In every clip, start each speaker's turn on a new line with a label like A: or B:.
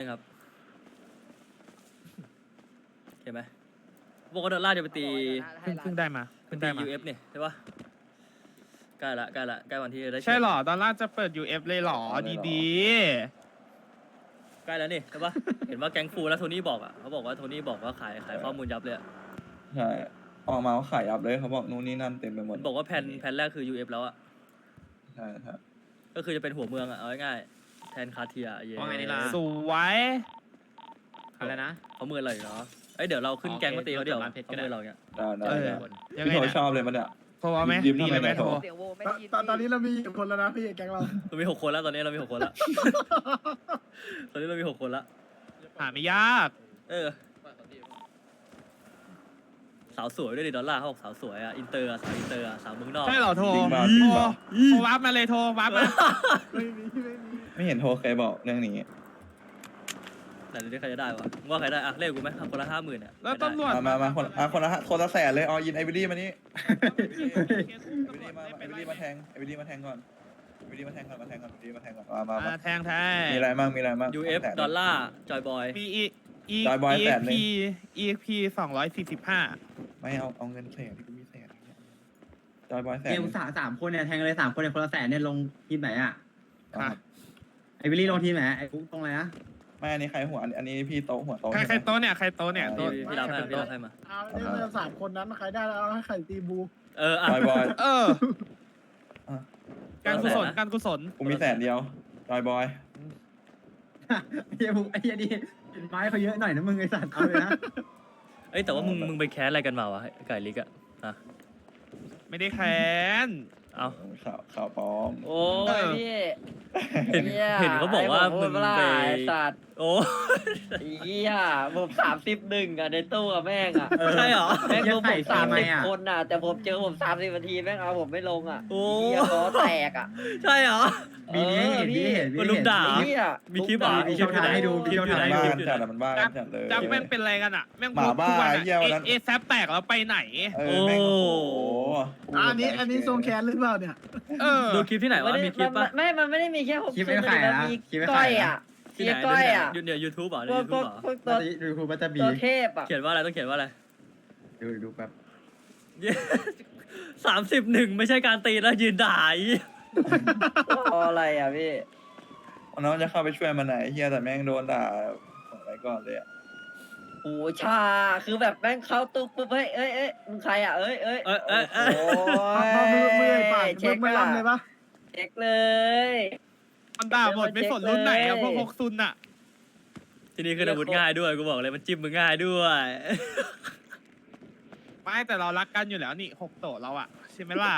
A: ครับเห็นไหมบอกว่าดอลลาร์จะไปตี
B: เพิ่งได้มา
A: ไปตี UF เนี่ยใช่ปะใกล้ละใกล้วันที่จะได้
B: ใช่หรอดอลลาร์จะเปิด UF เลยหรอดี
A: ใกล้แล้วนี่ใช่ปะ เห็นว่าแก๊งฟูแล้วโทนี่บอกอ่ะเขาบอกว่าโทนี่บอกว่าขายข้อมูลยับเลยอะ
C: ใช่ออกมาเขาขายยับเลยเขาบอกนู่นนี่นั่นเต็มไปหมด
A: บอกว่าแผนแรกคือ UF แล้วอ่ะ
C: ใช่ครับ
A: ก็คือจะเป็นหัวเมืองอ่ะเอาง่ายๆแทนคาเทียเย่
D: ว่าไงนี่ล่ะ
B: ๆสวย
D: อะไรนะ
A: เขาเมืองอะไรเนาะเอ้ยเดี๋ยวเราขึ้นแก๊งมาตีเขาเดี๋ยว
D: ร้านเพชรก็
A: เขา
D: ได้
A: เมืองเราเนี่ย
C: ได้
B: เออ
C: ได้
B: ยัง
C: พี่
B: ไง
C: โถ
B: เนี่ย
C: ชอบเลยมันเนี่ย
B: โทรเอาไหม
C: ยิ้ม
B: ดีเลยไหม
C: ทำไม
B: โทร
C: โทร
E: เสียงโวไม่ได้ยิน
F: ตอนนี้เรามีกี่คนแล้วนะพี่แก๊งเรา
A: เรามี6 คนแล้วตอนนี้เรามี6 คนแล้ว ตอนนี้เรามี6 คนแล้ว
B: หาไม่ยาก
A: เออสาวสวยด้วยดิดอลลาร์เขาบอกสาวสวยอ่ะอินเตอร์สาวอินเตอร์สาวเมืองนอก
B: ใช่เหรอโทร
C: จริง
B: โท
C: มาก
B: ร
C: จริงมาก
B: โทรวับมาเลยโทรวับมา
F: ไม่มี
C: ไม่เห็นโทรเคยบอกเรื่องนี้
A: แต่เดี๋ยวนี้ใครจะได้วะมึงว่าใครได้อะเรียกกูไหมคนละ50,000อ่ะ
B: แล้วตำรวจ
C: มาคนละแสนเลยเอายินไอวิลี่มานี่ไอวิลี่มาแทงไอวิลี่มาแทงก่อนไอวิลี่มาแทงก่อนมาแทงก่อนไอวิลี่มาแทงก่อนมา
B: แทงแทง
C: มีอะไรมั่งมีอะไรมั่ง
A: UF ดอลลาร์จอยบอย
B: มี
C: จอยบอยแสนหนึ่
B: EXP 245
C: ไม่เอาเงินแสนที่กูมีแสนจอยบอยแสน
G: เกมสามคนเนี่ยแทงเลย3 คนเนี่ยคนละแสนเนี่ยลงทีมไหนอ่ะ
B: ค่ะ
G: ไอวิลลี่ลงทีมไหนไอฟุ๊กตรงไหนนะ
C: ไม่อันนี้ใครหัวอันนี้พี่โต๊ะหัวโต๊ะ
B: ใครโต๊ะเนี่ยใครโต๊ะเนี่ยโต๊ะ
A: พี่รับให้มา
F: เอาเนี่ยเรา3 คนนั้นใครได้แล้วเอาให้ใครตีบู
A: เอออ่ะ
C: จอยบอย
B: เออการกุศลการกุศล
C: กูมีแสนเดียวจอยบอย
G: ไอ้เหี้ยฟุ๊กไอ้เหี้ยนี่ไม้เขาเยอะหน่อยนะมึงไอสัตว์เอาเลยนะ
A: เอ้ยแต่ว่ามึงไปแคสอะไรกันมาวะไก่ลิกอะอ่ะ
B: ไม่ได้แค้น
A: เอา
C: ข่าวปลอม
E: โอ้ยพี่
A: เห็นเขาบอกว่ามึงไป
E: สัตว์
A: โอ้
E: เหี้ยผม31อ่ะในตู้อะแม่งอ่ะ
A: ใช่เหรอ
E: แม่งผม30 คนอ่ะแต่ผมเจอผม30 นาทีแม่งเอาผมไม่ลงอ่ะ
A: โอ้
E: เหี้ยล้อแตกอ่ะ
A: ใช่เหรอ
G: บีนี้เห็นบีเห็นบี
A: มันลุมด่า
E: เหี้ย
A: มีคลิปเหรอมีคลิปอยู่ไหน
G: ให้ดู
A: คลิปอยู่ไหน
C: บ้า
A: คลิป
C: น
A: อยู่ไห
C: จัด
A: น
C: อะมันบ้า
B: จับ
C: จัดเลย
B: จับแม่งเป็นอะไรกันอ่ะแม่ง
C: หมาบ้า
B: ทุกวัน
C: ไอ้เหี้ยวันนั้น
B: เอแซปแตกแล้วไปไหน
C: แม่งโอ้โห
F: อันนี้ทรงแคนหรือเปล่าเนี่ย
B: เออ
A: ดูคลิปที่ไหนวะมีคลิปปะ
E: มันไม่ได้มีแค่ผม
G: คลิปไม่ขายนะ
E: มี
G: คลิปไม่
E: ก้
G: ขา
E: อย ย
G: นะ
E: อ่ะ
A: ที่ไหน
E: มีก้อยอ่ะ
A: เดี๋ยวยูทูบเหรอ
E: พ
A: เดี๋ยว
E: วก
A: ยูทูบเหรอ
E: ตัว
G: ดูครูบัตเตอร์บี
E: ตัวเทพอ่ะ
A: เขียนว่าอะไรต้องเขียนว่าอะไร
G: ดูแป๊บ
A: 31ไม่ใช่การตีแล้วยืนด่าอี
E: อะไรอ่ะพี่
C: น้องจะเข้าไปช่วยมันไหนเฮียแต่แม่งโดนด่าของไรก่อนเลยอะ
E: โอ้ชาคือแบบแม่งเข้าตุ๊บปุ๊บเฮ้ยเอ้ยมึงใครอ่ะเอ้ยโอ้
F: เอามือปาก
E: เช็ค
F: มือลำเลยปะ
E: เช็คเลย
B: มันด่าหมดไม่สนรุ่นไหนอะพวกซุนอะ
A: ทีนี้คืออาวุธง่ายด้วยกูบอกเลยมันจิ้มมึงง่ายด้วย
B: ไม่แต่เรารักกันอยู่แล้วนี่6 โตะเราอะใช่ไหมล่ะ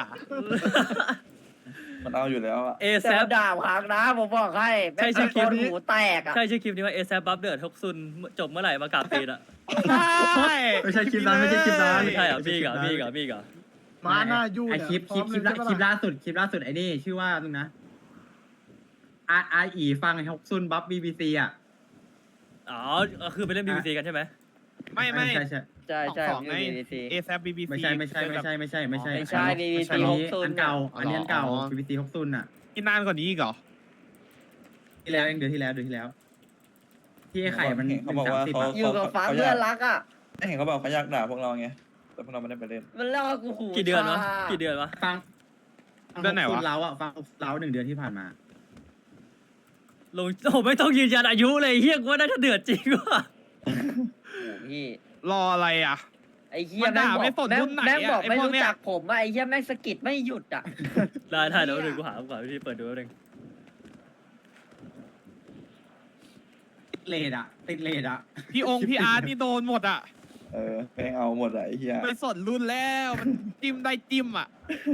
C: มันเอาอยู่แล้วอะ
A: เอ
E: แต่
A: แซ
E: มันด่าพังนะผมบอกให้
A: ใช่ใช่คลิปนี้
E: หูแตกอ่ะ
A: ใช่ชื่อคลิปนี้ว่าเอแซบัฟเดือดฮกซุนจบเมื่อไหร่มากราบตีนอ่ะ
B: ใช่
G: ไม่ใช่คลิปนั้นไม่ใช่คลิปนั้น
A: ไม่ใช่เหรอพี่เหรอพี่เหรอพี่เหรอ
F: มาหน้ายู่
G: ไอ
F: เนี่ย
G: คลิปล่าสุดไอ้นี่ชื่อว่านึงนะอาอีฟังไอ้ฮกซุนบัฟบีบีซีอ่ะ
A: อ๋อคือไปเล่น BBC กันใช่ไหม
B: ไม่
G: ใช่
E: ใช่
B: ของ
E: ผมอยู่ BBC
B: เอแซบีบีซี
G: ไม่ใช่BBC
E: ไม่ใช่ BBC
G: อันเก่าอันนี้อันเก่า BBC ฮกซุนอ่ะ
B: กินนานกว่านี้อีกเหรอ
G: ที่แล้วเองเดือนที่แล้วที่ไอ้ไข่มัน
C: เขาบอกว่าเขา
E: อยู่กับฟ้าเพื่อนรักอ่ะ
C: เห็นเขาบอกเขาอยากด่าพวกเราไงแต่พวกเราไม่ได้ไปเล่น
E: มันเล่ากูหู
A: กี่เดือนวะกี่เดือนวะ
G: ฟัง
B: เดือนไหนวะ
G: เราอ่ะฟังเรา1 เดือนที่ผ่านมา
A: ลงโอ้ไม่ต้องยืนยันอายุเลยเฮียกูว่าน่าจะเดือดจริงว่ะ
E: พี่
B: รออะไรอะ
E: ไอ้เหี้ย
B: มันด่าไม่สนรุ่นไหนอะ
E: แม่งบอก
B: ไอ้
E: ไม่
B: พวก
E: รู้
B: เนี้ย
E: จักผมอ่ะไอ้เหี้ยแม่งสะกิดไม่หยุดอ่ะ
A: ได้เดี๋ยวเดี๋ยวกูหาก่อนพี่เปิดดูแป๊บนึง
G: ติดเลดอ่ะ
B: พี่องค์พี่อาร์ตนี่โดนหมดอะ
C: แม่งเอาหมดอะไอ้เฮีย
B: ไม่สนรุ่นแล้วมันจิ้มได้จิ้มอะ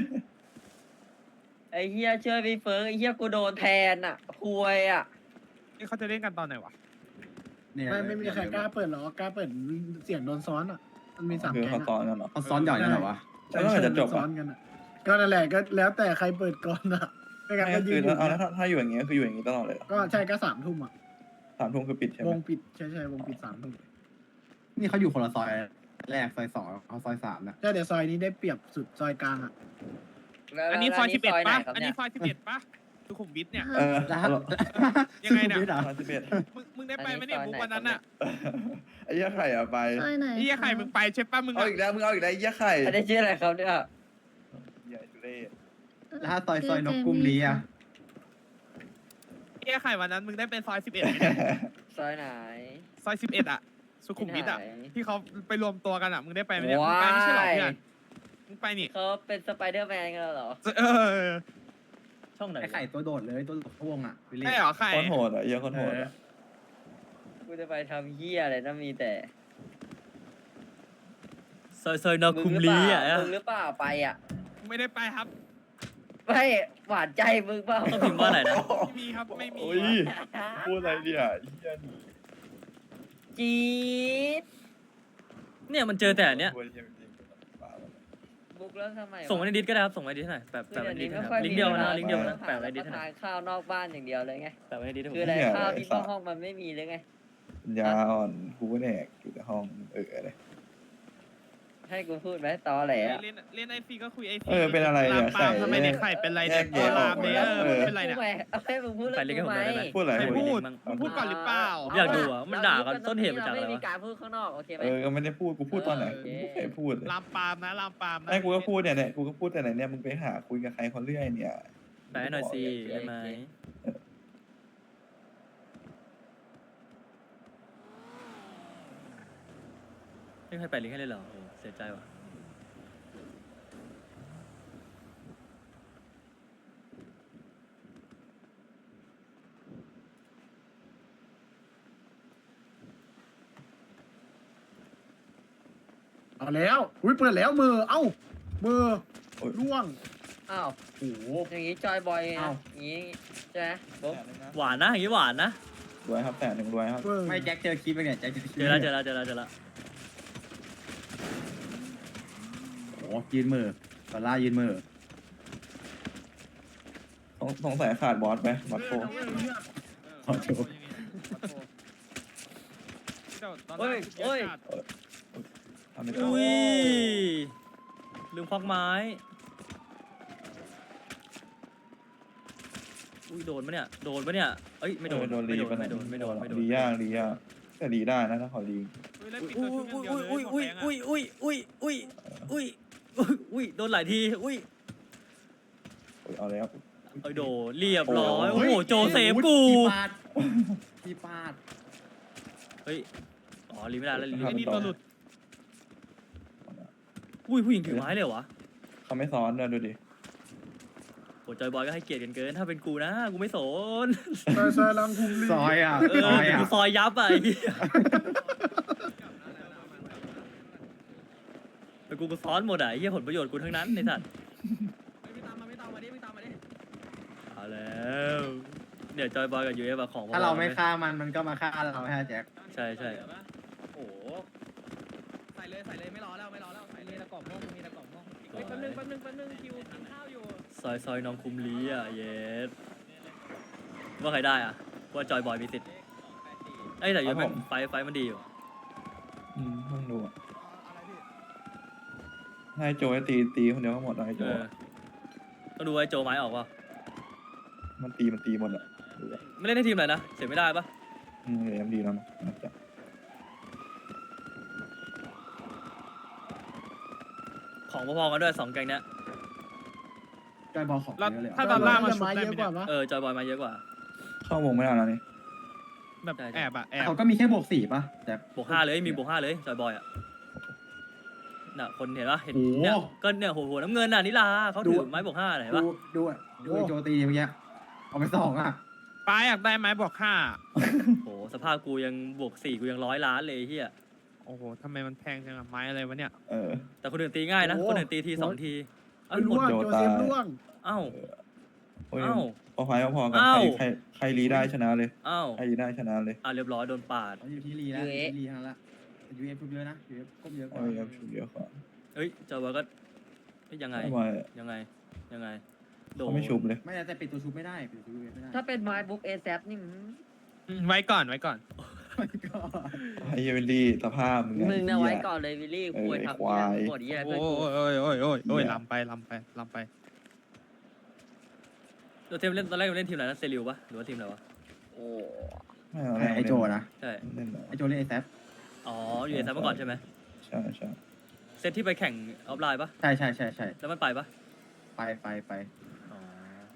E: ไอ้เหี้ยเชื่อพี่เฟิร์กไอ้เหี้ยกูโดนแทนอ่ะควยอ่ะ
B: นี่เขาจะเล่นกันตอนไหนวะ
F: ไม่มีใครกล้าเปิดหรอกกล้าเปิดเสียงโดนซ้อนอ่ะมันมี3
C: คือ
F: แก๊ง
C: เขาซ้อนกันเหรอ
G: เขาซ้อนหย่อยกันเหรอวะ
C: แล้วเมื่อไหร่จะจบ
F: ซ้
C: อะ
F: อนกันอ่ะก็นั่นแหละก็แล้วแต่ใครเปิดก่อนอ่ะไม่งั้น
C: ไม่
F: ก็
C: ก็
F: ยื
C: คื
F: น
C: อ
F: อยู่
C: ถ้าอยู่อย่างเงี้ยคืออยู่อย่างงี้ตลอดเลย
F: ก็ใช่ก็3 ทุ่มอ่ะ
C: 3 ทุ่มคือปิดใช่ไห
F: ว
C: ม
F: งปิดใช่วงปิด3 ทุ่ม
G: นี่เขาอยู่คนละซอยแรกซอย2เขาซอย3นะ
F: ใช่เดี๋ยวซอยนี้ได้เปรียบสุดซอยกลางอ่ะ
B: อันนี้ซอย11
E: ไหน
B: ปะ
E: ครับ
B: อัน
E: เนี่
B: นี้
E: ย
B: ซอย11 ปะสุขุมวิทเนี่ย
C: เออ
B: ยังไงเนี่ย
G: สุขุมวิทเหรอ
C: 31
B: มึงได้ไปไหมเนี่ยมุกวันนั้นอ่ะ
C: ไอ้เหี้ยไข่อะไป
H: ซอยไหน
B: ไอ้เหี้ยไข่มึงไปใช่ปะมึง
C: เอา
B: อะ
C: อีกแล้วมึงเอาอีกแล้วไอ้เหี้ยไข่
E: อันนี้ชื่ออะไรครับเนี่ย
C: ใหญ่ทุเรศ
G: แล้วถ้าซอยนกกรุงลีอ่ะ
B: ไอ้เหี้ยไข่วันนั้นมึงได้เป็นซอย11ไหมเนี่ย
E: ซอยไหน
B: ซอย11อะสุขุมวิทอะ
E: ที่ไหน
B: ที่เขาไปรวมตัวกันอะมึงได้ไปไหมเนี่ยมึงไปไม่ใช่เหรอเพื่อนมึงไปนี่
E: เขาเป็นสไปเดอร์แมนกันแล้วเหรอ
B: เออ
A: ช่องไหน
G: ไอ้ไข่ตัวโดดเลยตัวโดดพวงอ่ะวิลลี่
B: ใช่เหรอไข่
C: โคตรโหดอ่ะไอ้เหี้ยโคตรโหดอะ
E: กูจะไปทำเหี้ยอะไรนะมีแต่
A: ซอยนอคุมลีอ่ะ
E: มึงหรือเปล่าไปอ่ะ
B: ไม่ได้ไปครับ
E: ไม่หวานใจมึงเปล่า
A: ต้องพิมพ์ว่าอะไรนะ
B: ไม่มีครับไม่มี
C: โอ้ยพูดอะไรเนี่ยไอ้เหี้ยนี่
E: จี๊ด
A: เนี่ยมันเจอแต่อันเนี้ย
C: พูดไอ้เหี้ยจริงๆบ้าแล้ว
E: บุกแล้วทำไมวะ
A: ส่งมาในดิสก็ได้ครับส่งมาในดิสหน่อยแปะ
E: คือ
A: ไว้
E: เดี๋ยว
A: ในดิ
E: นี้
A: ส
E: ไม่
A: หน่
E: ค่อ
A: อย ยลิงก์เดียวนะลิงก์เดียวนะ
E: หา
A: แปะไว้ในดิสหน่
E: ทา
A: อย
E: นข้าวนอกบ้านอย่างเดียวเลยไง
A: แปะไว้ในดิสให้ผม
E: คืออะไรข้าวที่นอกห้องมันไม่มีเลยไง
C: ปัญญาอ่อนกูก็แหนกอยู่ในห้องอะไร
E: ให้กูพูดไหมตอแหลอะ
B: เล่นไอซีก็คุยไอซี
C: เออเป็นอะไรเนี่ย
B: ลามปาม
C: ไข่
B: ทำไมเนี่ยไข่เป็นไรเนี่ย
C: แยกแยะออก
B: ลามเนี่ย
C: หมดแล้ว
B: เป็นไรเนี่ย
E: เอาให้มึงพูด
A: ใครเรียกให้ผมหน่อยได้ไหม
C: พูดอะไร
B: ใคร
C: พูด
B: พูด
A: บ้าง
B: มึงพูดก่อนหรือเปล่า
A: ผมอยากดูอะมันด่ากันต้นเหตุมาจากอะไรวะ
E: ไม่มีการพูดข้างนอกโอเคไหม
C: เออก็ไม่ได้พูดกูพูดตอนไหน
E: โอเค
C: กูไม่เคยพูดเลย
B: ลามปามนะลามปามนะ
C: ไอ้กูก็พูดเนี่ยกูก็พูดแต่ไหนเนี่ยมึงไปหาคุยกับใครคนเรื่อยเนี่ย
A: แปะให้หน่อยสิได้ไหมไม่ใครแปะลิงก์ให้เลยเหรอโอ้เสียใจว่ะ
F: เอาแล้วอุ้ยเปิดแล้วมือเอ้ามือ
C: โอ้ย
F: ร่วง
E: อ้าว
F: โอ้โห
E: อย่างงี้จอยบอยนะ
F: เอ้า
E: อย่างงี้ใช่ไหมบุ๊ก
A: หวานนะอย่างนี้หวานนะ
C: รวยครับแต่หนึ่งรวยครับ
F: เออ
G: ไม่แจ็คเจอคลิปไปเนี่ยแจ็คเจอคลิป
A: เจอแล้วเจอแล้วเจอแล้วเจอแล้ว
G: โอ้ยืนมือตอล่ายืนมือ
C: สงสัยขาดบอสไหมบอสโฟ
G: ขอโทษ
B: เฮ้ยเฮ้ย
C: ทำไม่ได้
A: อุ้ยลืมควักไม้อุ้ยโดนปะเนี่ยโดนปะเนี่ยเอ้ยไม่โดน
C: โดนรี
A: ไม่โดนไม่โดนไม่โดน
C: รียากรียากแต่รีได้นะถ้าขอรี
A: อุ้ยอุ้ยอุ้ยอุ้ยอุ้ยอุ้ยอุ้ยอุ้ยอุ้ยโดนหลายทีอุ้ย
C: เอาเลยครับ
A: เอ้ยโดนเรียบร้อย
C: โอ้
A: โอ้
C: ย
A: โหโจเซฟกู
G: ที่ปาดที่ปาด
A: เฮ้ยอ๋อรีไม่ได้แล้วรี
B: ไอ้นี่ตัวหลุด
A: อุ้ยผู้หญิงถือไม้เลยเหรอวะ
C: เขาไม่ซ้อนด้วยดูดิ
A: โอ้จอยบอยก็ให้เกียรติกันเกินถ้าเป็นกูนะกูไม่สน
F: ซอยลังคุมลี
G: ซอยอ่ะ
A: เออ
G: ซอยอ่ะ
A: กูซอยยับอ่ะไอ้เหี้ยแต่กูซ้อนหมดอ่ะไอ้เหี้ยผลประโยชน์กูทั้งนั้นไอ้สัตว์เอาแล้วเนี่ยจอยบอยกับยูเอฟของพอๆ
G: ถ้าเราไม่
A: กัน
G: ฆ่ามันก็มาฆ่าเราฮะแจ็ค
A: ใช่ใช่
D: โอ้โหใส่เลยไม่รอแล้วใส่เลยตะกอบม่วงมีตะกอบม่วงเฮ้ยแป๊บนึงคิวกินข้าวอยู่
A: ซอยน้องคุมลีอ่ะเยสว่าใครได้อ่ะว่าจอยบอยมีสิทธิ์ไอ้ยแต่ยูเอฟไฟมันดีอยู่
C: ต้องดูอ่ะให้โจให้ตีคนเดียวก็หมดให้โจ
A: เออต้องดูไอ้โจไม้ออกป่ะ
C: มันตีหมดอ่ะดูอ่ะ
A: ไม่เล่นให้ทีมไหนนะเสียไม่ได้ปะ
C: เดี๋ยวดีแล้วนะน่าจะ
A: ของพอๆกันด้วยสองแกงเนี้ย
G: จอยบอลของ
B: แล้ว
G: เยอะเลย
B: ถ้าตอนล่างมาชุบ
F: ไม้
B: ได้
F: เย
B: ไหม
F: อะก
B: เนี่ย
F: ว่าปะ
A: เออจอยบอยมาเยอะกว่า
C: เข้าวงไม่ได้แล้วนี่
B: แบบแอบอะแอบ
G: เขาก็มีแค่บวก 4ป่ะแต่
A: บวก5เลยมีบวก5เลยจอยบอยอ่ะน่ะคนเห็นปะเห็น
G: โอ้โห
A: เนี่ยก็เนี่ยหัวน้ำเงินน่ะนิลาเขาถือไม้บวก5เห็นปะ
G: ดูอ่ะดูไอ้โจตีเมื่อกี้เอาไป2อ่ะ
B: ป้าอยากได้ไหมบอก5
A: โหสภาพกูยังบวก4กูยัง100 ล้านเลยเฮีย
B: โอ้โหทำไมมันแพงจังอะไม้อะไรวะเนี่ย
C: เออ
A: แต่คนอื่นตีง่ายนะคนอื่นตีที2 ทีเอ้าหม
F: ร่
A: ด
F: วง
C: โจ
F: โจ
C: ตาย
F: เซฟร่วง
A: เอ้า
C: โอ้ย
A: เอ้า
C: พอพายพอๆกัน
A: เอ้า
C: ใครรีได้ชนะเลย
A: เอ้า
C: ใครรีได้ชนะเลย
A: เรียบร้อยโดนปาด
G: เขาอยู่ที่รีแล้วอยู่ที่รีทั้งนั้นละยูเอฟเยอะนะยูเอฟก้มเยอะก
C: เอ
G: ว่า
C: อชุดเดียวก่อน
A: เฮ้ยจอยบอยก็เฮ้ยยังไง
C: ทำไม
A: ยังไงโด
C: เขาไม่ชุบเลย
G: ไม่แต่ปิดตัวชุบไม่ได้ปิดตัวชุบไม่ได้
E: ถ้าเป็นไม้บุ๊กเอแซนี่
B: ไว้ก่อน
G: ก็
C: ไอ้เยวินดี้สภาพมึง
E: มึงนะ
C: เหี้ย
E: ไว้ก่อนเลยวิลลี่ควรทำ
C: ควาย
E: หมดเยี่ย
B: โอ้
E: เพื่อนกู
B: ยลำไป
A: เราเทมเล่นตอนแรกเราเล่นทีมอะไรนะเซริวปะหรือว่าทีมอะไรวะ
E: โอ้
C: ไม่เอา
G: ไอโจนะ
A: ใช่
C: เล่นเหรอ
G: ไอโจเล่นไอแซฟ
A: อ๋ออยู่ในซัมเมื่อก่อนใช่ไหม
C: ใช่ใช่
A: เซตที่ไปแข่งออฟไลน์ปะ
G: ใช่ใช่ใช่ใช่
A: แล้วมันไปปะ
G: ไป
A: อ๋อ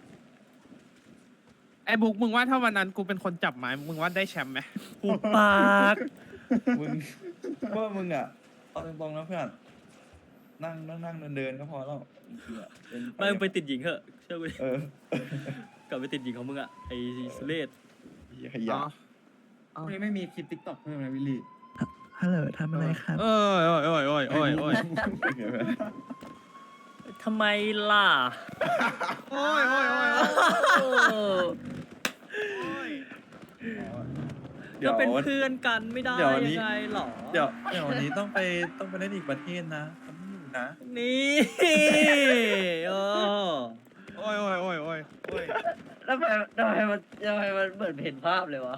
B: ไอ้บุ๊กมึงว่าถ้าวันนั้นกูเป็นคนจับไม้มึงว่าได้แชมป์ไหม
A: หูปาก
C: มึงว่ามึงอ่ะเอาตรงๆนะเพื่อนนั่งเดินก็พอแล้วจริงๆอะ
A: ไม่มึงไปติดหญิงเหอะเชื่อกูดิ
C: เออก
A: ลับไปติดหญิงของมึงอะไอ้สุเรศ
C: เหี้ยขยะ
G: วันนี้ไม่มีคลิปติ๊กต็อกเพิ่มนะวิลลี่
C: ฮัลโหลทำอะไรครับ
B: โอ้ย
A: ทำไมล่ะ
B: โอ้ย
C: เดี๋ยว
A: ก็เป็นเพื่อนกันไม่ได้
C: เดี๋ยววันนี้
A: ยังไงหรอ
C: เดี๋ยววันนี้ต้องไปเล่นอีกประเทศนะทำไม่อยู่นะ
A: นี่โอ้
B: โอ้ย
E: แล้วทำไมมันเหมือนเห็นภาพเลยวะ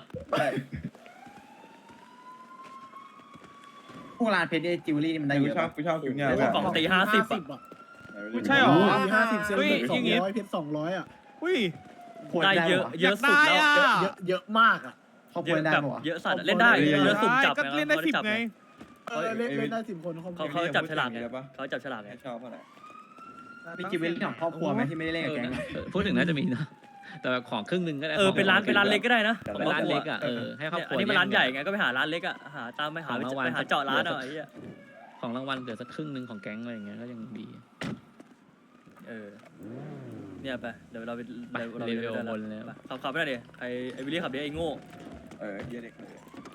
G: พวกร้านเพชรเนี่ยจิวเวลรี่นี่มันได้เยอะ
C: กูชอบชุดเนี่ย
A: โหกล่องตี50
F: 50
A: อะ
F: อ่ะ
B: ใช่หรอ
F: 50เซลล์200เพชร200อ่ะ
B: อุ้ย
A: ได้เยอะเยอะสุดแล้ว
B: อยากได้อะ
F: เยอะมากอ่ะ
G: ครอบค
A: เย
G: รัว
A: อะ
G: ได้
A: แบบ
G: ปะวะ
A: เยอะสัตว์อะเล่นได้เยอะสุ่มจับ
B: ก็เล่นได้
A: ขา
B: 10
A: จับ
B: ไง
F: เล่นได้10 คน
A: เขาจับฉลากไงเขาจับฉลากไง
C: ไม่ชอบอะไร
G: มีจิวเวลรี่ของครอบครัวไหมที่ไม่ได้เล่นกับแก๊งอะ
H: พูดถึงน่าจะมีนะ แต่แบบของครึ่งหนึ่งก็ได้
A: เป็นร้านเล็กก็ได้นะ
H: เป็นร้านเล็กอ่ะให้ครอบ
A: เนี่ย
H: ครั
A: อั
H: วน
A: นี้มันร้านใหญ่ไงก็ไปหาร้านเล็กอะหาตามไปหาเจาะร้านเอาไอ้เหี้ย
H: ของรางวัลเหลือสักครึ่งหนึ่งของแก๊งอะไรอย่างเงี้ยก็ยังดี
A: เนี่ยไปเดี๋ยวเราไป
H: เลเวลบนแล้ว
A: ขับไปหน่อยดิไอ้วิลลี่ขับดิไอ้โง่
C: เหี้ยเด็กเลย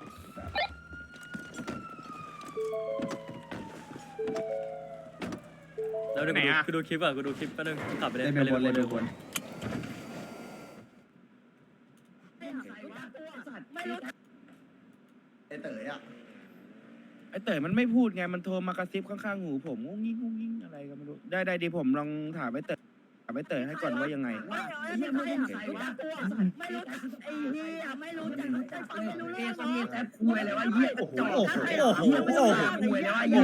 A: แล้วเดี๋ยวกูดูคลิปก่อนกูดูคลิปแป๊บนึงขับไปเลย
G: เล
A: ไป
G: เวล
A: เลย
G: บนเลเวลบน
F: ไอ้เต๋ออ่ะ
I: ไอเต๋อมันไม่พูดไง มันโทรมากระซิบข้างๆหูผมงุ้งงิ้งอะไรก็ไม่รู้ ได้ดีผมลองถามไอเต๋อให้ก่อนว่ายังไง
D: ไม่รู้ไอ้เหี้ยไม่รู้จักไม่รู้เรื่องเขามีแต่คุยเลยว่าเหี้ยกระจอกเหี้ยไม่รู้จักคุยเลยว่าเหี้ย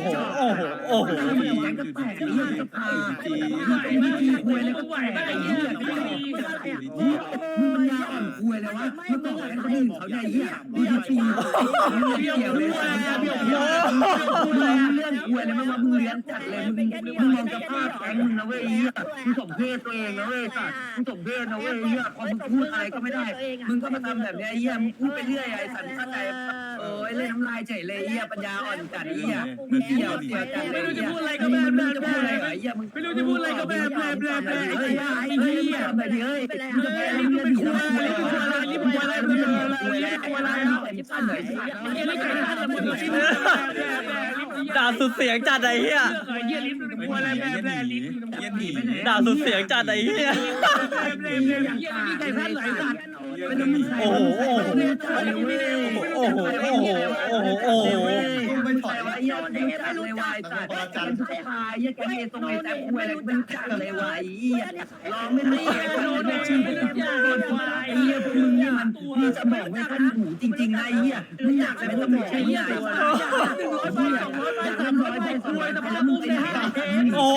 D: แม่งก็แตกเหี้ยจะพาไม่มีคุยเลยก็แตกเหี้ยมึงมันยาอ่อนคุยเลยว่ามึงบอกให้คนอื่นเขาได้เหี้ยเบี้ยฟรีเบี้ยวเลยเบี้ยวเรื่องคุยเลยไม่ว่ามึงเลี้ยงจัดเลยมึงมองสภาพแก๊งมึงนะเว้ยเหี้ยมึงสมเพศตัวเองนะเว้ยสัตว์มึงสมเพศนะเว้ยเหี้ยพอมึงพูดอะไรก็ไม่ได้มึงก็มาทำแบบนี้ไอ้เหี้ยมึงพูดไปเรื่อยไอ้สันเข้าใจโอ้ยเล่นน้ำลายเฉยเลยเหี้ยปัญญาอ่อนจัดเหี้ยมึงเกี่ยวจัดเลยไม่รู้จะพูดอะไรก็แบบมึงจะพูดอะไรเหรอเหี้ยมึงไม่รู้จะพูดอะไรก็แบบเฮ้ยไอ้เหี้ยทำแบบนี้เฮ้ยมึงจะไปมึงเป็นคุยอะไรนี่มึงอะไรมึงคุยอะไรมึงสั้นเลยสัตว์เหี้ยไม่เคยทันมึง
A: ด่าสุดเสียงจัดไอ้เหี้ย
I: เหี้ยลิ้นมึงคุยอะไรแบบลิ้นเหี้ยหนีไปไหน
A: ด่าสุดเสียงจัดไอ้เหี้ย
I: ใครพลาดไหลสัตว์
A: โอ้โหโอ้โหโอ้โหโอ้โหโอ้โห
I: ไม่ถอยว่าเหี้ยไม่รู้จักเลยวายสัตว์จันทร์พายเหี้ยแกเหี้ยตรงไหนแต่คุยอะไรไม่รู้จักเลยวายเหี้ยลองไม่รู้โดนชื่อโดนไอ้เหี้ยพวกมึงเนี่ยมันมีสมองไม่ทันหูจริงๆนะไอ้เหี้ยไม่อยากจะเป็นสมองใหญ่100 ใบ 200 ใบ 300 ใบ200แต่พวกมึงเป็น5
A: โอ้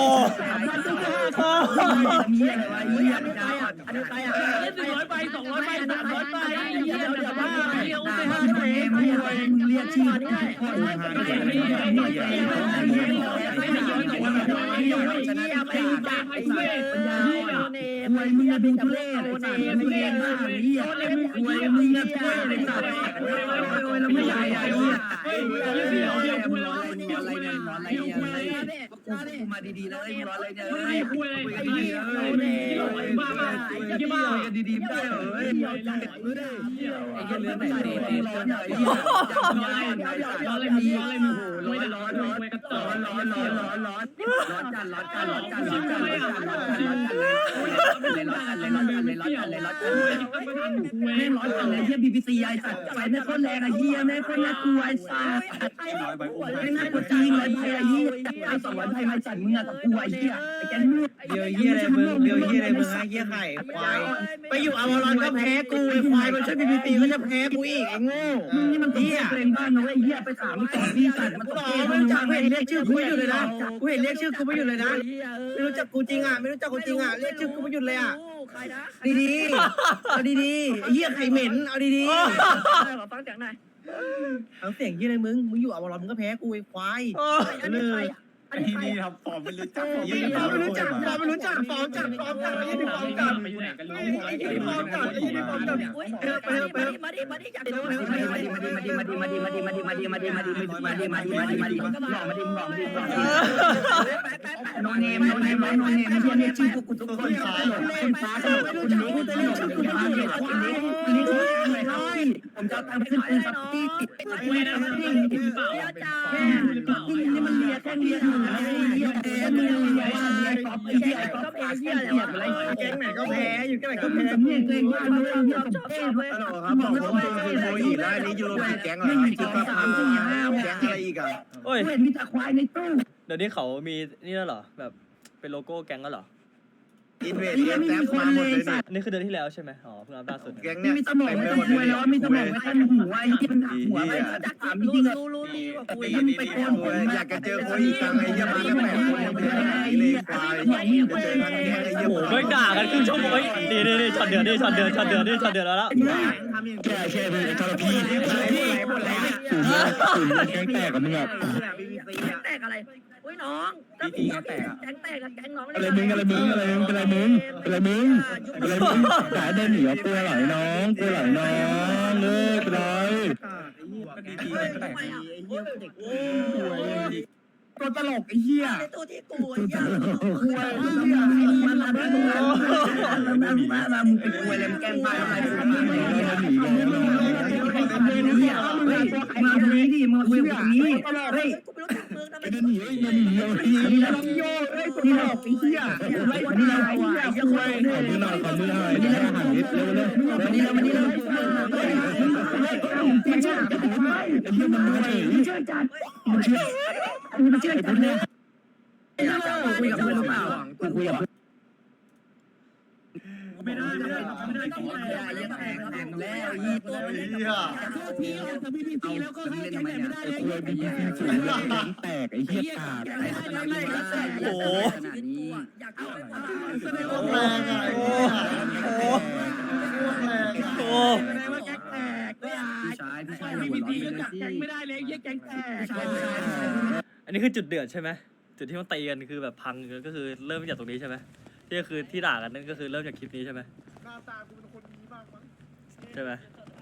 I: มีอะไรวะเหี้ยอันนี้ใครอ่ะเล่น100 ใบ 200 ใบ 300 ใบเหี้ยเดี๋ยวมาเหี้ยไป5 ใบมึงเรียกชื่อคนมวยมึงจะเป็นทุเรศไอ้สัตว์มึงเรียนมากเหี้ยมวยมึงจะทุเรศไอ้สัตว์แล้วไม่ใหญ่ไอ้เหี้ยมึงร้อนอะไรเนี่ยร้อนอะไรเนี่ยกูมาดีๆเลยมึงร้อนอะไรเนี่ยคุยกันดีๆเลยบ้ากันดีๆได้เหรอไอ้เหี้ยเรื่องไหนร้อนไอ้เหี้ยร้อนอะไรมีร้อนเลยเฮียบีบีซีไอ้สัตว์ไฟแม่คนแรงไอ้เฮียแม่คนน่ากลัวไอ้สัตว์ไม่น่ากลัวจริงเลยไอ้เฮียไอ้200 ใบ
D: มาสั่นมึงอะกับกูไอ้เหี้ยไอ้แกนี่
I: เบียวเหี้ยอะไรมึงเบียวเหี้ยอะไรมึงไอ้เหี้ยไข่ควายไปอยู่อวารอนก็แพ้กูไอ้ควายมันช่วยพีพีตีก็จะแพ้กูอีกไอ้โง่
D: นี่มันเหี้ยเกรงบ้านนะไอ้เหี้ยไปถามต่อพี่สัตว์มัน
I: กู
D: ต้อง
I: บอกไม่รู้จักเห็นเรียกชื่อกูไม่หยุดเลยนะกูเห็นเรียกชื่อกูไม่หยุดเลยนะไม่รู้จักกูจริงอ่ะไม่รู้จักกูจริงอ่ะเรียกชื่อกูไม่หยุดเลยอ่ะดีๆเอาดีๆไอ้เหี้ยไข่เหม็นเอาดี
E: ขอฟังเสียงหน่อย
I: ๆเอาเสียงยี่อะไรมึงอยู่อวารอนมึงก็แพ้กูไอ้ควาย
E: อันนี้ใครอ่ะอันนี้ใคร
C: นี่
E: อ่ะ
C: ครับฟอร์มไม่รู้จัก
I: ไม่รู้จักฟอร์มไม่รู้จักฟอร์มจับฟอร์มจับไอ้ยี่ฟอร์มจับไอ้ยี่ฟอร์มจับไอ้ยี่ฟอร์มจับ
E: อุ้ย มาดิอยากโดน
D: โนเนมเรียกชื่อกูทุกคนคุณฟ้าตลกคุณนี้คุณจะเรียกชื่อกูมาเรียกคุณนี้ผมจะทำขึ้นเป็นซับตี้ติดเวนะนี่มันเรียกแค่เรียกอยู่ไอ้เหี้ยแกมึงเรียกก๊อปไอ้เหี้ยก๊อปไอ้เหี้ยอะไร
I: แก๊งไหนก็แพ้อยู่แก๊งไหนก็แพ้
D: สำเนียงตัวเองว่าเรื่องเหี้ยกับเต้ด้วย
I: ครับบอกผมคือโมอีกแล้วนี่ยูโรปีแก๊งเหรอจุดประพาแก๊งอะไรอีกอ่ะ
A: โอ้ย
D: เห็นมีแต่ควายในตู้
A: เดี๋ยวนี้เขามีนี่แล้วเหรอแบบเป็นโลโก้แก๊งแล้วเหรอ
I: อินเวสแท็บมาหมดเลยนี่
A: อันนี้คือเดือนที่แล้วใช่ไหมอ๋อเพิ่งอัปล่าสุด
I: แก๊ง
D: มี
I: เนี่ย
D: สมองไม่ต้องคุยแล้วมีสมองไม่ต้องหัวไอ้ที่มันหัวไม่จักถามจริงๆอะ
E: รู้ดีกว่ากู
D: มันไปโกนผม
I: อยากจะเจอคนอีกครั้งไอ้ยี่มาแล้วแปดคนยังไม่ได้เลยควายจะเจอครั้งนี้ไอ้ยี่
A: โอ้โหไม่ด่ากันครึ่งชั่วโมงเฮ้ยนี่ช็อตเดือดนี่ช็อตเดือดแล้ว
I: ทำอย่างแก่ใช่ไหมทรพีหมดแล้ว
C: แกงแตกกับมึงอ่ะ
E: แตกอะไรอุ้ยน้องแก๊งแตกแก๊งน้อง
C: อะไรมึงด่าเดินหนีอ่ะกลัวไหลน้องเลิกเลย
D: ตัวตลกไอ้เหี้ย
E: ในตู้ที่กูไอ้เหี้ย
D: ควายมันเป็นควายเลยมันแกล้งบ้าอะไรกูมาเลยมาตรงนี้ดิมาคุยกับตรงนี้เฮ้ย
E: กูไม่รู้จักมึงทำไม
D: นี่เราโย่เฮ้ยนี่เราไอ้เหี้ยนี่เราไอ้เหี้ยควาย
C: ขอมือหน่อยนี่ให้อาหารนิดเร็ว
D: นี่เรามันเชื่อจัดมันเชื่อจัดมันเชื่อจัดเลยคุยกับเพื่อนหรือเปล่าคุยกับ
I: ไม่ได้
E: ต้องมายังแตกแล้วตัวมัน
D: แล้วก็ให้แกงไม่ได้เลย
C: คุยบีบีสูงแตกไอ้เหี้ยตาก
A: โอ้โห
E: อยากเอาไปว่า
A: โอ้
D: พี่ชายหัวร้อนเลยสิ
I: ไม่ได้เลยยี่แก๊งแตก
A: อันนี้คือจุดเดือดใช่ไหมจุดที่มันตีกันคือแบบพังก็คือเริ่มจากตรงนี้ใช่ไหมที่คือที่ด่ากันนั่นก็คือเริ่มจากคลิปนี้ใช่ไหม
F: หน้าตากูเป็นคนดีมากมั้ง
A: ใช่ไหม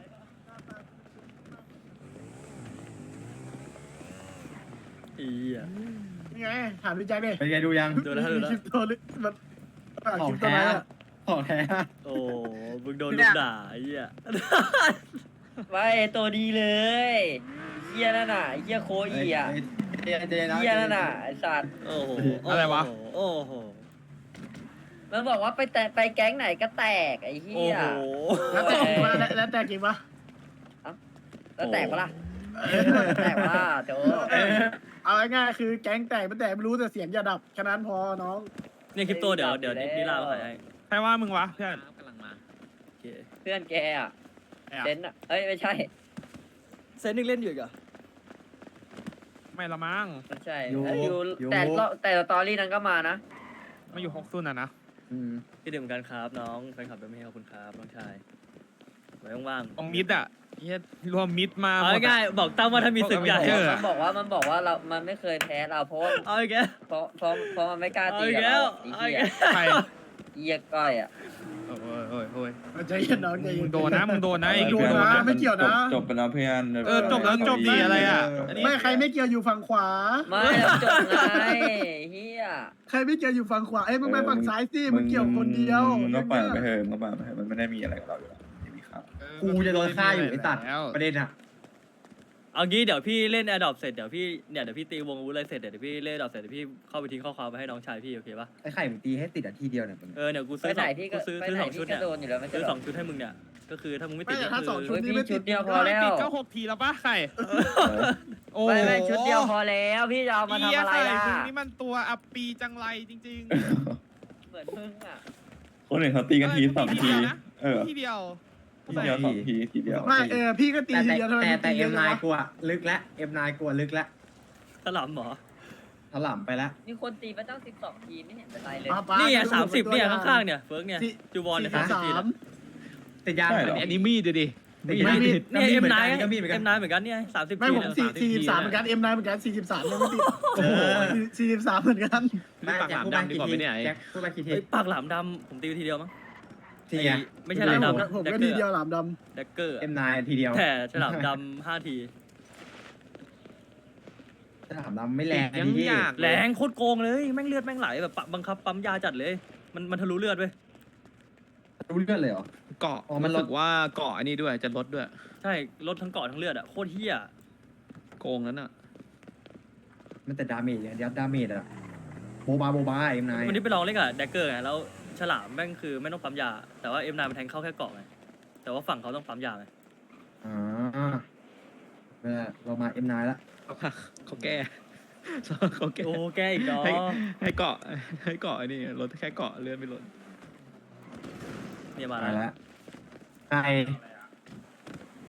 A: อีอ่ะ
F: นี่ไงถามพี่แจ็คดิ
C: เป็นไงดูยัง
A: ดูแล้ว
F: มีคลิปตัวลึกมันคลิปตัวไหนอ่ะ
C: ของแท้
A: โอ้มึงโดนลูกด่าไอ้เหี้ย
E: ไว้ตัวดีเลยเหี้ยนั่นน่ะเหี้ยโคอีอ่ะ
C: เจนะ
E: เหี้ยนั่นน่ะไอ้สัตว์
A: โอ้โห
B: อะไรวะ
A: โอ้โห
E: มันบอกว่าไปแก๊งไหนก็แตกไอ้เหี้
A: โอ้
E: ย
A: โห
F: แล้วแต่จริงปะ
E: แล้วแตกปะล่ะแตกปะล่ะโจ
F: เอาง่ายๆคือแก๊งแตกไม่แตกไม่รู้แต่เสียงอย่าดับแค่นั้นพอน้อง
A: เนี่ยคลิปโตเดี๋ยวนี่ลาไปให้
B: ใครว่ามึงวะเพื่อน
H: กำลังมา
A: โอเค
E: เพื่อนแกอ่ะเซนอ่ะเอ้ยไม่ใช่
A: เซนนึงเล่นอยู่อีกเหรอ
B: ไม่ละมั้ง
E: ไม่ใช่อยู่แต่สตอรี่นั้นก็มานะ
B: มาอยู่6ซุนอ่ะนะ
A: คิดถึงเหมือนกันครับน้องแฟนคลับเป็นไม่ให้ขอบคุณครับน้องชายไว้ว่าง
B: ตรงมิดอ่ะเฮียรวมมิดมา
A: ๆเอาง่ายๆบอกตั้มว่าถ้ามีศึกใหญ่
B: เออ
E: มันบอกว่ามันไม่เคยแพ้เราเพราะว่า
A: เอาอีกแก
E: เพราะมันไม่กล้า
A: เอา
E: ตี
A: อีก
E: กับ
A: แล้ว
E: เรา
A: เอาอีก
B: ใคร
E: เหี้ยก้อยอ่ะ
B: โอ้ย
F: ใจเย็นน้องใจเย็
B: มึ
F: น
B: งโดนนะมึงโดนนะไอ้
F: โดนนะไม่เกี่ยวนะ
C: จบไปแล้วเพื่อน
B: จบแล้วจบดีอะไรอ่ะ
F: ไม่ใครไม่เกี่ยวอยู่ฝั่งขวา
E: ไม่เราจบไงเฮีย
F: ใครไม่เกี่ยวอยู่ฝั่งขวาเอ้ยมึงไปฝั่งซ้ายสิมึงเกี่ยวคนเดียว
C: มึงก็ปล่อยไปเถอะมันไม่ได้มีอะไรกับเราอยู่แล้วไม่มีครับ
G: กูจะโดนฆ่าอยู่ไอ้ตัดประเด็นอะ
A: เอางี้เดี๋ยวพี่เล่นแอร์ดรอปเสร็จเดี๋ยวพี่ตีวงอาวุธอะไรเสร็จเดี๋ยวพี่เล่นแอร์ดรอปเสร็จเดี๋ยวพี่เข้าไปทิ้งข้อความไปให้น้องชายพี่โอเคปะ
G: ไอ้ไข่มึงตีให้ติดทีเดียวเนี่ย
A: เดี๋ยวกู
E: ไป
A: ซื้อ
E: ไหนพี่ก็
A: ซื้อ
E: ไป
A: ซื้อ
E: ไหน
A: สองชุด
E: พี่ก็
A: เนี่ย
E: โดนอยู่แล้วไม่ใช่
A: ซื้อ
E: หร
A: ส
E: อ
A: องชุดให้มึงเนี่ยก็คือถ้ามึงไม่ติด
F: ไม่
A: ก็
F: ถ้า
A: คื
F: สองชุด
E: เฮ้ยพี่ชุดเดียวพอ
B: ไม่
E: แล้ว
B: ติดก็6 ทีแล้วป่ะใครโอ้
E: ไม่ชุดเดียวพอแล้วพี่จะเอามาทำอะไรล่ะ
B: มึงนี่มันตัวอัปปีจังไรจริง
E: เหมือนมึงอ่ะ
C: คนอื่นเขาตีกันที2 ทีเออ
B: ๆทีเดียว
C: ทีเดียว2 ทีทีเดียว
F: ไม่พี่ก็ตี
G: แต่
F: ทีเดียวทำไม
G: แต่
F: ตีเย
G: เอ็
F: อะ
G: ม
F: จัง
G: นาย
F: วะ
G: กลัวลึกแล้วเอ็มนายกลัวลึกแล้ว
A: ถลำเหรอ
G: ถล่ำไปแล้ว
E: มีคนตีมาตั้ง12 ทีไม่เห็นเป็นไรเลย
A: นี่ไง30เนี่ยข้างๆเนี่ยเฟิร์กเนี่ยจูวอนเนี่ย30ทีเนี่ย
G: แต่ยาง
C: ใช่เหรอ
H: อันนี้มีดดูดิ
G: แต่ยาง
A: เนี่ยเอ็มนาย
G: ก็มีเหมือนกั
A: เอ็
G: น
A: มนายเหมือนกันเนี่ย30
F: ไม่
A: ที
F: ผม
A: เนี่ย
F: 43เหมือนกันM9เหมือนกัน43ยังไม่ติดโอ้โห43เหมือนกัน
H: มีปากหลามดำดีกว่าไหมเนี่ยไอ้
G: แจ็คพูดไปกี่ที
A: เฮ้ยปากหลามดำผมตีไปทีเดียวมั้ง
G: ทีอ่ะ
A: ไม่ใช่หลามดำ
F: ผมก็
A: แดกเก
F: ที
A: อร์
F: เดียวหลามด
A: แดกเกอร์
G: เอ็มนายทีเดียว
A: แต่ฉลามดำ5 ที
G: ถล่ำดำไม่แรง
B: ยัง
G: พี่
B: อยาก
A: แรงโคตรโกงเลยแม่งเลือดแม่งไหลแบบบังคับปั๊มยาจัดเลย มันทะลุเลือดเว้ย
G: รู้เรื่องเลยเหรอ
H: เกาะ
G: อ๋อมันลด
H: รู้สึกว่าเกาะอันนี้ด้วยจะลดด้วย
A: ใช่ลดทั้งเกาะทั้งเลือดอะโคตรเฮี้ย
H: โกงนั้นอ่ะ
G: มันแต่ดาเมจอย่างเดียวดาเมจอะโบบาเอ็มนาย
A: วันนี้ไปลองเล่นกับแดกเกอร์ไงแล้วฉลามแม่งคือไม่ต้องปั๊มยา แต่ว่าM9มันแทงเข้าแค่เกาะไงแต่ว่าฝั่งเขาต้องปั๊มยาไง
G: อ่าเรามาเอ็มนายละ
H: เขาแก้ เขาแก้
A: โอ้แกอีกเนาะ
H: ให้เกาะให้เกาะอันนี้ลดแค่เกาะเลื่อนไม่ลด
A: เนี่ยมา
G: มา
A: แล้ว
G: แล้วไอ